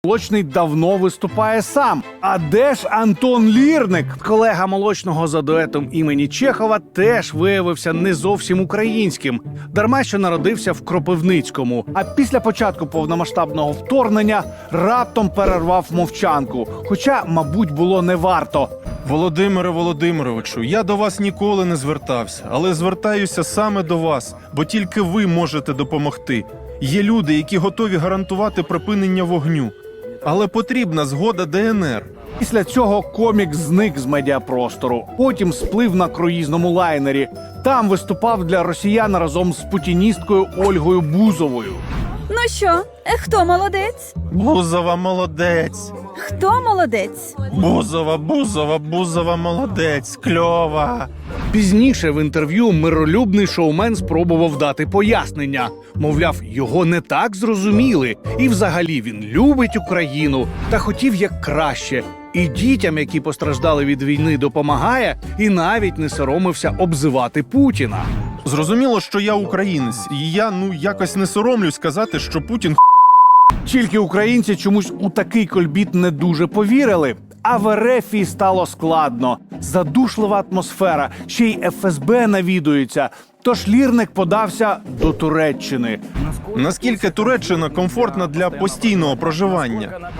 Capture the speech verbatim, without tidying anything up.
Молочний давно виступає сам. А де ж Антон Лірник? Колега Молочного за дуетом імені Чехова теж виявився не зовсім українським. Дарма що народився в Кропивницькому. А після початку повномасштабного вторгнення раптом перервав мовчанку. Хоча, мабуть, було не варто. Володимире Володимировичу, я до вас ніколи не звертався, але звертаюся саме до вас, бо тільки ви можете допомогти. Є люди, які готові гарантувати припинення вогню. Але потрібна згода Де Ен Ер. Після цього комік зник з медіапростору. Потім сплив на круїзному лайнері. Там виступав для росіян разом з путіністкою Ольгою Бузовою. Ну що, е, хто молодець? Бузова молодець. Хто молодець? Бузова, Бузова, Бузова молодець. Кльова. Пізніше в інтерв'ю миролюбний шоумен спробував дати пояснення. Мовляв, його не так зрозуміли. І взагалі він любить Україну та хотів як краще. І дітям, які постраждали від війни, допомагає, і навіть не соромився обзивати Путіна. Зрозуміло, що я українець, і я, ну, якось не соромлюсь сказати, що Путін Тільки українці чомусь у такий кольбіт не дуже повірили. А в РФ стало складно. Задушлива атмосфера, ще й Еф Ес Бе навідується. Тож Лірник подався до Туреччини. Наскільки Туреччина комфортна для постійного проживання?